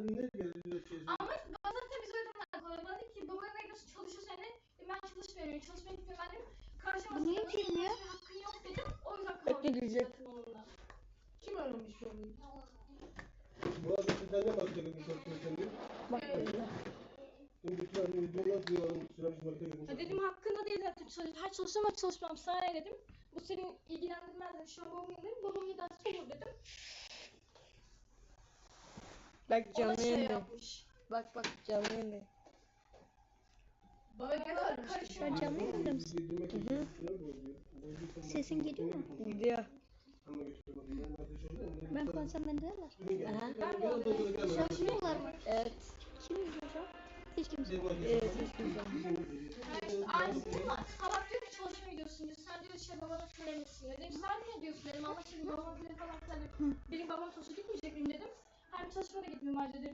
ne gerekiyor şey? Ama bana tabii biz öyle demler. Bana dedi ki babana ne gidiyorsun çalışıyorsun yani. Ben çalışmıyorum. Çalışmaya gitmiyorum. Ben dedim. Karşıma Niye film ya? hakkın yok dedim. O yüzden kavga Ne diyecek? onunla. Kim aramış onu? Bu arada sizden ne bakıyordun bu sosyal Bak Şimdi bütün hani videolar diyorum, süremiş marka girmiş. Ya dedim hakkında değil zaten her çalışıyorum ama çalışmam sana ne dedim. Bu senin ilgilendirmez dedim. Şu an babamın yanındayım. Babamın iddiası olur dedim. Bak O da canlı şey yayında. yapmış. Bak canlı yayında. Bana ne varmış? Şu an canlı yayında mısın? Sesin geliyor mu? Gidiyor. Ben konuşsam beni duyarlar. Çalışmıyorlar mı? Evet. Kim izliyor şu an? Hiç kimse. Hiç kimse. Aynısını mı? Sabah diyor ki çalışmaya gidiyorsun diyor. Sen diyor şey babana söylemişsin diyor. Dedim sen ne diyorsun dedim. Allah şimdi babama bile falan filan dedim. Benim babam çalışıyor gitmeyecek miyim dedim. Hem çalışmaya da gitmiyorum ayrıca dedim.